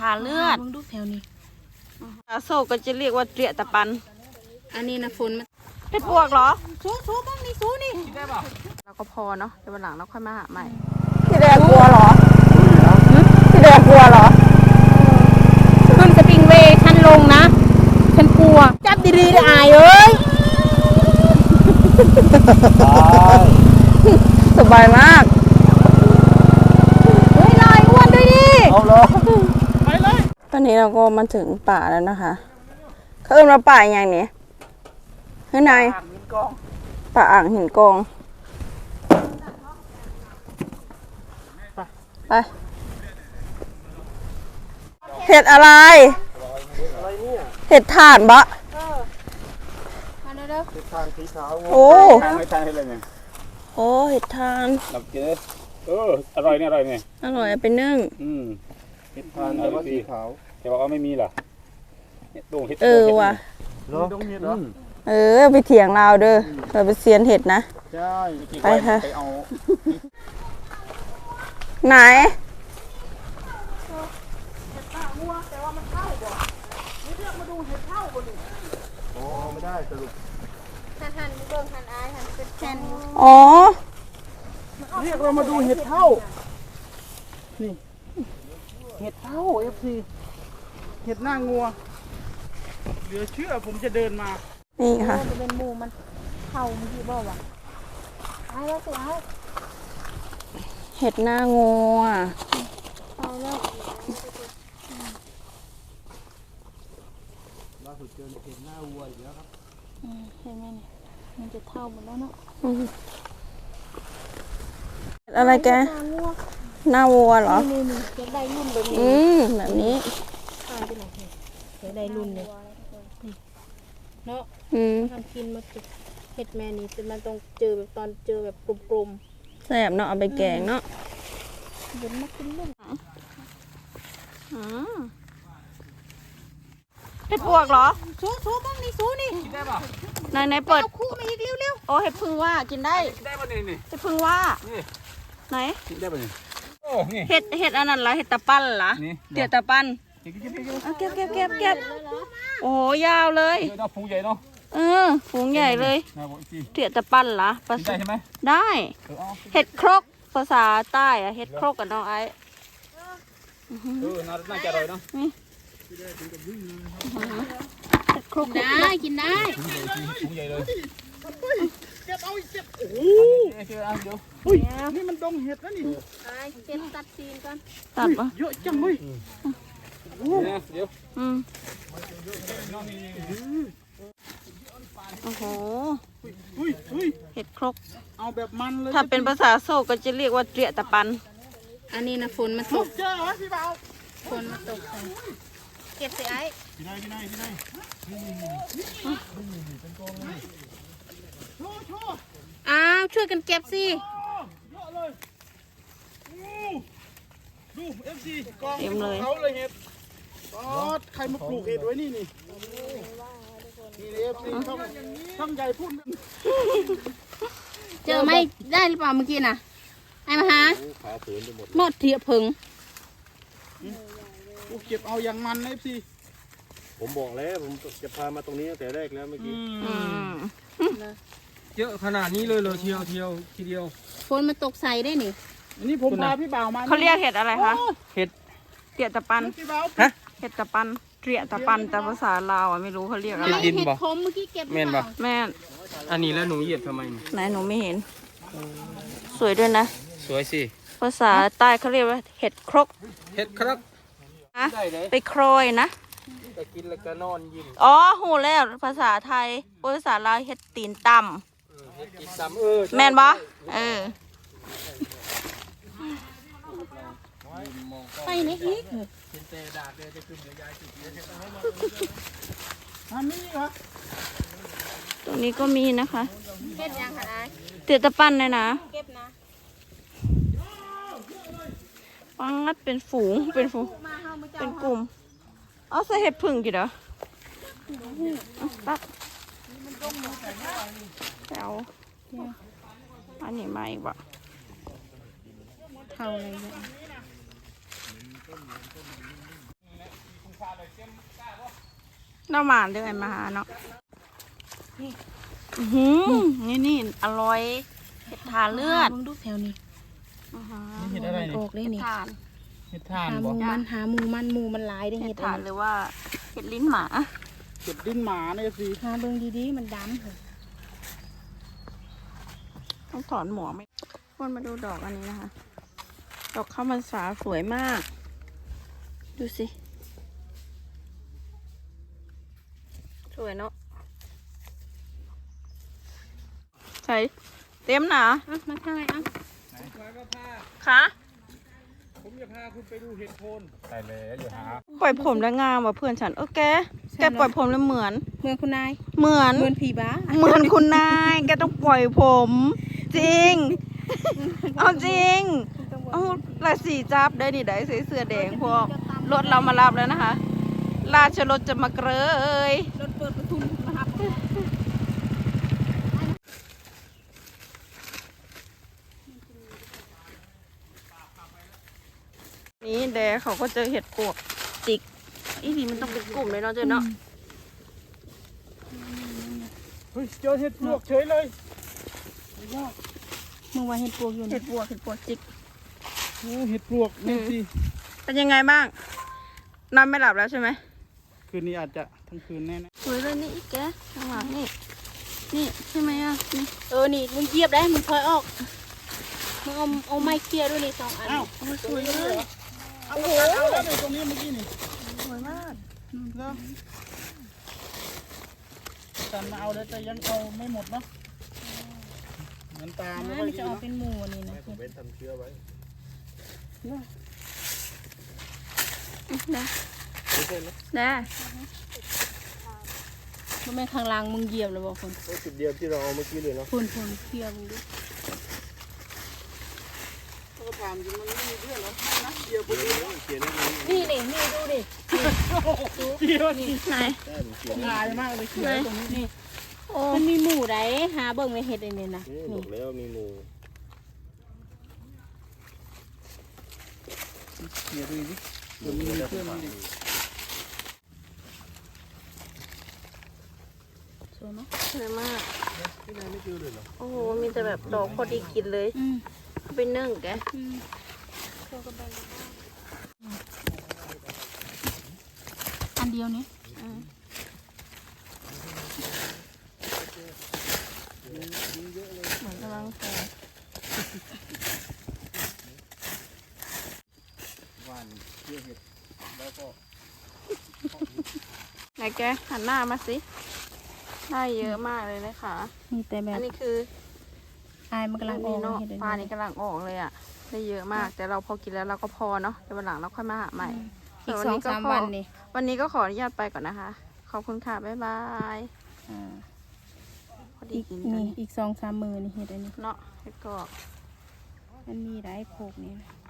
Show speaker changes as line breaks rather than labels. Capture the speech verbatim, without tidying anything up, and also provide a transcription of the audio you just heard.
าเลือดดูแถวนี้อาโศกก็จะเรียกว่าเตรียตะปันอันนี้นะฝนมันเห็ดปวกเหรอซูซูบ้างนี่ซูนี่ได้ป่ะเราก็พอเนาะเดี๋ยววันหลังเราค่อยมาหาใหม่พี่แดงกลัวเหรอพี่แดงกลัวเหรอขึ้นสปริงเวย์ฉันลงนะฉันกลัวจับดีๆได้อายเอ้ยสบายมากเฮ้ยลอยอ้วนด้วยดิเอาเลยไปเลยตอนนี้เราก็มาถึงป่าแล้วนะคะเขาเอิ้นว่าป่าอย่างนี้ข้างในป่าอ่างหินกองไปเห็ดอะไรเห็ดถ่านบะเห็ดทานสีขาวโอ้ทานไม่ทานให้เลยเนี่ยโอ้เห็ดทานหลับกินเลยเอออร่อยเนี่ยอร่อยเนี่ยอร่อยไปนึ่งอืมเห็ดทานแต่ว่าสีขาวแต่ว่าไม่มีหรอเห็ดดงเห็ดเออว่ะดงเห็ดเหรอเออไปเถียงเราเด้อเราไปเซียนเห็ดนะใช่ไปค่ะไปเอาไหนเห็ดข้าวงัวแต่ว่ามันเข้าบ่นี่เรียกมาดูเห็ดเข้าบ่ดิโอ้ไม่ได้สรุปหันหันเบิ่งหันอายหันเป็นแผ่นอ๋อเรียกเรามาดูเห็ดเท่านี่เห็ดเท่า เอฟ ซี เห็ดหน้างัวเหลือเชื่อผมจะเดินมานี่ค่ะมันเป็นหมูมันเท่าเมื่อกี้บอกว่าไอ้แล้วสิเอาเห็ดหน้างัวเอาแล้วล่าสุดเจอเห็ดหน้าวัวอีกแล้วครับเห็นไหมเนี่ยมันจะเท่าหมดแล้วเนาะอะไรแกหน้าวัวเหรอนี่นี่จะได้รุ่นแบบนี้อืมแบบนี้ข้าวที่ไหนจะได้รุ่นเลยเนาะอืมทำกินมาติดเห็ดแม่นี่มันต้องเจอแบบตอนเจอแบบกลมๆแซ่บเนาะเอาไปแกงเนาะเดี๋ยวมากินเล่นอ๋อเห็ดปวกเหรอซูซูบ้างนี่ซูนี่กินได้ป่ะไหนไหนเปิดคู่มาอีกเร็วๆโอ้เห็ดพึ่งว่ากินได้ได้ป่ะนี่นี่เห็ดพึ่งว่าไหนได้ป่ะนี่โอ้นี่เห็ดเห็ดอันนั้นเหรอเห็ดตะปั้นเหรอเตี๋ยตะปั้นเก็บเก็บเก็บเก็บโอ้ยาวเลยฝูงใหญ่เนาะเออฝูงใหญ่เลยเตี๋ยตะปั้นเหรอได้ใช่ไหมได้เห็ดครกภาษาใต้อะเห็ดครกกับน้องไอ้เออน่าจะอร่อยเนาะครกได้กินได้ถุงใหญ่เลยเก็บเอาเก็บโอ้โหเดี๋ยวอุ้ยนี่มันดงเห็ดนะนี่เก็บตัดซีนก่อนตัดปะเยอะจังเลยโอ้เดี๋ยวอืมโอ้โหเห็ดครกเอาแบบมันเลยถ้าเป็นภาษาโซก็จะเรียกว่าเตรียตะปันอันนี้นะฝนมาตกเจอเหรอพี่เบาฝนมาตกเก็บสิไอ้ที่ไหนที่ไหนที่ไหนอ้าวช่วยกันเก็บสิดูเอฟซีกองเขาเลยเห็ดใครมาปลูกเห็ดไว้นี่นี่นี่เอฟซีช่องช่องใหญ่พุ่นเจอไหมได้หรือเปล่าเมื่อกี้น่ะไอ้มาหาหมดเทียบผึ่งเก็บเอาอย่างมันนะเอฟซีผมบอกแล้วผมจะพามาตรงนี้ตั้งแต่แรกแล้วเมื่อกี้เยอะขนาดนี้เลยเลยเที่ยวเที่ยวทีเดียวฝนมันตกใส่ได้นี่อันนี้ผมพาพี่บ่าวมาเขาเรียกเห็ดอะไรคะเห็ดเตี๋ยตะปันฮะเห็ดตะปันเตี๋ยตะปันแต่ภาษาลาวอ่ะไม่รู้เขาเรียกอะไรเห็ดคมเมื่อกี้เก็บแม่นปะแม่นอันนี้แล้วหนูเหยียบทำไมไหนหนูไม่เห็นสวยด้วยนะสวยสิภาษาใต้เขาเรียกว่าเห็ดครกเห็ดครกไปโครยนะจะกินแล้วก็นอนยิ้มอ๋อหูแล้วภาษาไทยภาษาลาวเห็ดตีนต่ำแม่นบ่เออไปไหนอีกตรงนี้ก็มีนะคะเก็บยังคะเตี๋ยตะปั้นเลยนะเก็บนะปังงัดเป็นฝูงเป็นฝูงเป็นกลุ่มเอาใส่เห็ดผึ่งกี่เด้อตักแถวอันนี้มาอีกบ่เท่าอะไรเนี่ยน้ำหวานด้วยมาหาเนาะอือนี่นี่อร่อยเห็ดทานเลือดมึงดูแถวนี้
นี่เห็ดอะไรนี่
ออกเลยนี่
เห็ดทาน
หา
บ
มู
อก
มันหามูมันมูมันลายได้
เห็
เห็
ด
ด
ถ่านหรือว่าเห็ดลิ้นหมา
เห็ดดิ้นหมาเนี่ยสิ
หาเบิ่งดีๆมันดำเหรอ
ต้องถอนหมวกไหมคนมาดูดอกอันนี้นะคะ ดอกข้าวมันสาสวยมาก ดูสิ สวยเนาะใส่เต็มหนา
อ่ะมาทางไหนอ่ะ
ไหนพาก็พา
คะ
ผมจะพาคุณไปดูเห็ดโคนใช่แล้วอย่าหา
ปล่อยผมแล้วงามว่ะเพื่อนฉันเออแก แกปล่อยผมแล้วเหมือน
เมืองคุณนาย
เหมือน
เมืองผีบ้า
เหมือนคุณนาย แกต้องปล่อยผม จริง เอาจริง เอาราศีจับได้ดิได้ใส่เสื้อแดงพวกรถเรามารับแล้วนะคะ ราชรถจะมาเกย
รถเปิดประทุนนะครับ
นี่แดเขาก็เจอเห็ดปวกจิกอีนี่มันต้องเป็นกลุ่มเลยเนาะเจ้าเนาะ
เฮ้ยเจอเห็ดปลวกเฉยเลย
เมื่อวานเห็ดปวกอยู่
เห็
นี่
ดปวกเห็ดปวกจิก
โอ้เห็ดปลวกนี่สิ
เป็นยังไงบ้างนอนไม่หลับแล้วใช่ไหม
คืนนี้อาจจะทั้งคืนแน่นะ
สวยเลยนี่อีกแกข้างหลังนี่นี่ใช่ไหมอ่ะนี่
เออนี่มึงเกียบได้มึงถอยออกมึงเอาเอาไม้เคลียร์ด้วยนี่สองอัน
อ้าว
โอ้ยสวยเลย
เอาโอ้โหแล้วตรงนี้เมื่อกี้นี่
สวยมาก
แล้วจันมาเอาแล้วแต่ยังเอาไม่หมดเนาะเหมือนตามไม่
นะ
ค่อย
มัน
ดี
จะออก
เนาะ
เป็นหมูนี่นะ
ผมเป็นทำเชื้อไว้
ได้
ไม่ใช่ไหม
ได้
มันเป็นข้างล่างมึงเหยียบเลยบอกคน
โอ้จุดเดียวที่เราเอาเมื่อกี้เลยเนาะ
คนคนเคลียร์มึงดู
ก็ถามจริงมันไม่มีเพื่อนหรอนะเดียวคนเดียวเขียนได้
นี่นี่นี่ดูดิ
เดียวนี่
ไหน
ลายมากเลยเขียนตรงนี้นี่
โอ้
มันมีหมูไดหาเบิ่งในเห็ดอันนี้นะ
บ
นี่
อกแล้วมีงูเดี๋ยวดูดิเดี๋ยวมีเพื่อนมันดิ
สวยไหม
สวยมาก
ที่ไหนไม่เจอเลยเหรอ
โอ้โหมีแต่แบบดอกพอดีกินเลย
อืม
เอาไปนึ่งแก
อืมอันเดียวนี้
อืม เหมือนกำลังแก่
หวานเชื่อเห็ดแล้วก็
ไหนแกหันหน้ามาสิได้เยอะมากเลยนะคะ
มีแต่แบบ
อันนี้คือ
อายมันกำลังอ
นี่
อก
เนาะ
เห็ดอัน
ปลา
นี้
นี่กำลังออกเลยอ่ะ ได้เยอะมาก แต่เราพอกินแล้วเราก็พอเนาะเดี๋ยววันหลังเราค่อยมาหาใหม่
อีกสองสามวันนี่
วันนี้ก็ขออนุญาตไปก่อนนะคะ ขอบคุณค่ะ บ๊ายบาย
อ่า
พอดี
อีก
กิน
นี่
กัน
อีกสองสามมือนี่เห็ดอันนี้
เนาะเห็ดกรอบ
มันมีหลายโขกนี่นะ